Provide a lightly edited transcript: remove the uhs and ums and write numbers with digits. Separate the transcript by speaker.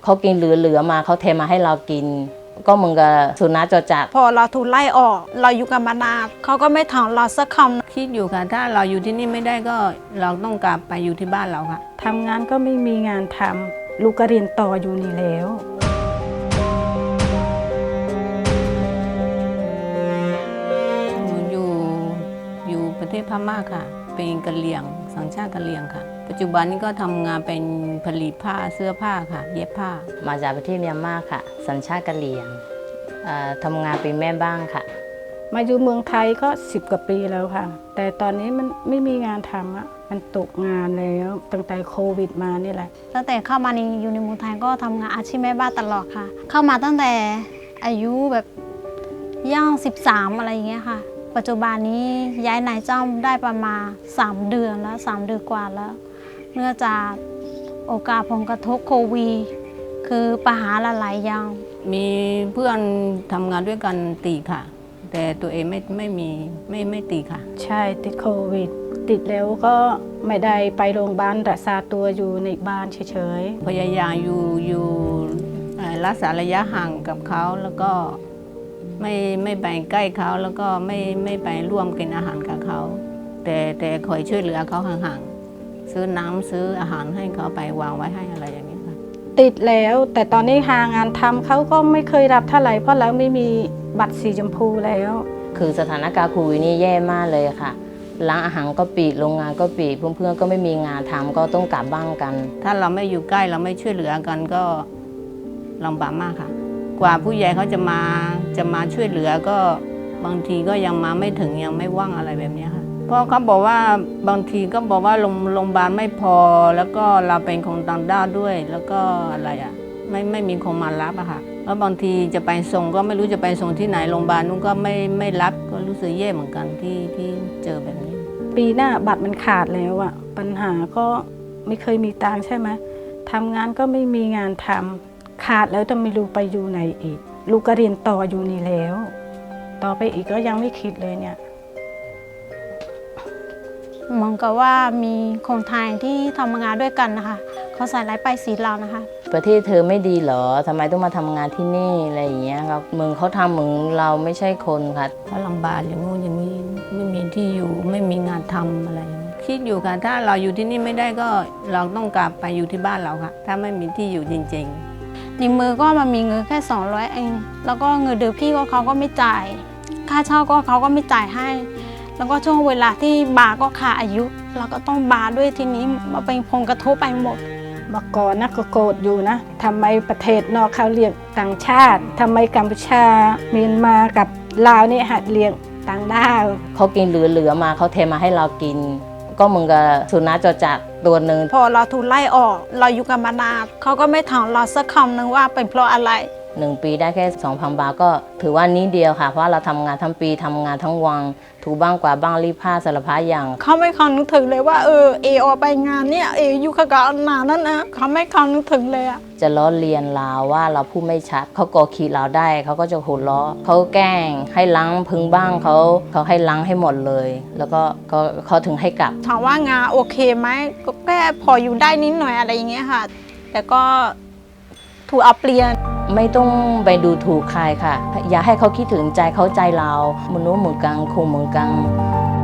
Speaker 1: เขากินเหลือมาเขาเทมาให้เรากินก็มึงกับสุนัขจรจัด
Speaker 2: พอเราถูกไล่ออกเราอยู่กับมานานเขาก็ไม่ถามเราสักคำ
Speaker 3: คิดอยู่ค่ะถ้าเราอยู่ที่นี่ไม่ได้ก็เราต้องกลับไปอยู่ที่บ้านเราค่ะ
Speaker 4: ทำงานก็ไม่มีงานทำลูกก็เรียนต่ออยู่นี่แล้ว
Speaker 3: อยู่ประเทศพม่าค่ะเป็นกะเหรี่ยงสัญชาติกะเหรี่ยงค่ะปัจจุบันนี้ก็ทำงานเป็นผลิตผ้าเสื้อผ้าค่ะเย็บผ้า
Speaker 1: มาจากประเทศเมียนมาค่ะสัญชาติกะเหรี่ยงทำงานเป็นแม่บ้านค่ะ
Speaker 4: มาอยู่เมืองไทยก็10 กว่าปีแล้วค่ะแต่ตอนนี้มันไม่มีงานทำอ่ะมันตกงานแล้วตั้งแต่โควิดมานี่แหละ
Speaker 2: ตั้งแต่เข้ามาอยู่ในเมืองไทยก็ทำงานอาชีพแม่บ้านตลอดค่ะเข้ามาตั้งแต่อายุแบบย่าง13อะไรอย่างเงี้ยค่ะปัจจุบันนี้ย้ายนายจ้างได้ประมาณ3 เดือนแล้ว3 เดือนกว่าแล้วเนื่องจากโอกาสผลกระทบโควิดคือปัญหาหลายๆอย่าง
Speaker 3: มีเพื่อนทำงานด้วยกันตีค่ะแต่ตัวเองไม่ตีค่ะ
Speaker 4: ใช่ติดโควิดติดแล้วก็ไม่ได้ไปโรงพยาบาลรักษาตัวอยู่ในบ้านเฉย
Speaker 3: ๆพยายามอยู่รักษาระยะห่างกับเขาแล้วก็ไม่ไปใกล้เขาแล้วก็ไม่ไปร่วมกินอาหารกับเขาแต่คอยช่วยเหลือเขาห่างๆซื้อน้ำซื้ออาหารให้เขาไปวางไว้ให้อะไรอย่างนี้ค่ะ
Speaker 4: ติดแล้วแต่ตอนนี้หางานทำเขาก็ไม่เคยรับเท่าไหร่เพราะเราไม่มีบัตรสีชมพูแล้ว
Speaker 1: คือสถานการณ์โควิดนี่แย่มากเลยค่ะร้านอาหารก็ปิดโรงงานก็ปิดเพื่อนๆก็ไม่มีงานทำก็ต้องกลับบ้านกัน
Speaker 3: ถ้าเราไม่อยู่ใกล้เราไม่ช่วยเหลือกันก็ลำบากมากค่ะกว่าผู้ใหญ่เขาจะมาช่วยเหลือก็บางทีก็ยังมาไม่ถึงยังไม่ว่างอะไรแบบนี้ค่ะเพราะเขาบอกว่าบางทีก็บอกว่าโรงพยาบาลไม่พอแล้วก็เราเป็นคนต่างด้าวด้วยแล้วก็อะไรอ่ะไม่มีคนมารับอะค่ะแล้วบางทีจะไปส่งก็ไม่รู้จะไปส่งที่ไหนโรงพยาบาลนู้นก็ไม่รับก็รู้สึกแย่เหมือนกันที่เจอแบบนี้
Speaker 4: ปีหน้าบัตรมันขาดแล้วอะปัญหาก็ไม่เคยมีตังค์ใช่ไหมทำงานก็ไม่มีงานทำขาดแล้วจะไม่รู้ไปอยู่ไหนอีกลูกก็เรียนต่ออยู่นี่แล้วต่อไปอีกก็ยังไม่คิดเลยเนี่ย
Speaker 2: เหมือนกับว่ามีคนไทยที่ทำงานด้วยกันนะคะเขาใส่ร้ายป้ายสีเรานะคะ
Speaker 1: ประเทศเธอไม่ดีเหรอทำไมต้องมาทำงานที่นี่อะไรอย่างเงี้ยครับเมืองเขาทำเหมือนเราไม่ใช่คนค่ะ
Speaker 3: เขาลำบากอย่างงู้นอย่างนี้ไม่มีที่อยู่ไม่มีงานทำอะไรคิดอยู่ค่ะถ้าเราอยู่ที่นี่ไม่ได้ก็เราต้องกลับไปอยู่ที่บ้านเราค่ะถ้าไม่มีที่อยู่จริง
Speaker 2: ๆในมือก็มันมีเงินแค่200เองแล้วก็เงินเดือนพี่ก็เขาก็ไม่จ่ายค่าเช่าก็เขาก็ไม่จ่ายให้แล้วก็ช่วงเวลาที่บาก็ขาดอายุเราก็ต้องบาด้วยทีนี้มาเป็นผลกระทบไปหมด
Speaker 4: เมื่อก่อนนะก็โกรธอยู่นะทำไมประเทศนอกเขาเรียกต่างชาติทำไมกัมพูชาเมียนมากับลาวนี่หัดเรียกต่างด้าว
Speaker 1: เขากินเหลือมาเขาเทมาให้เรากินก็มึงกับสุนัขจรจัดตัวหนึ่ง
Speaker 2: พอเราถูกไล่ออกเราอยู่กับมานานเขาก็ไม่ถามเราสักคำนึงว่าเป็นเพราะอะไร
Speaker 1: 1 ปีได้แค่ 2,000 บาทก็ถือว่านี้เดียวค่ะเพราะเราทำงานทั้งปีทำงานทั้งวันถูบ้างกว่าบ้างรีดผ้าสารพัดอย่าง
Speaker 2: เขาไม่คำนึกถึงเลยว่าเออไปงานเนี่ยอยู่กับนานนั่นนะเขาไม่คำนึกถึงเลยอะ
Speaker 1: จะล้อเลียนเราว่าเราพูดไม่ชัดเขากอขีเราได้เขาก็จะหัวเราะเขาแกล้งให้ล้างพึงบ้างเขาให้ล้างให้หมดเลยแล้วก็เขาถึงให้กลับ
Speaker 2: ถามว่างานโอเคไหมก็แค่พออยู่ได้นิดหน่อยอะไรอย่างเงี้ยค่ะแต่ก็ถูกเอาเปลี่ยน
Speaker 1: ไม่ต้องไปดูถูกใครค่ะอย่าให้เขาคิดถึงใจเขาใจเรามนุษย์เหมือนกันคงเหมือนกัน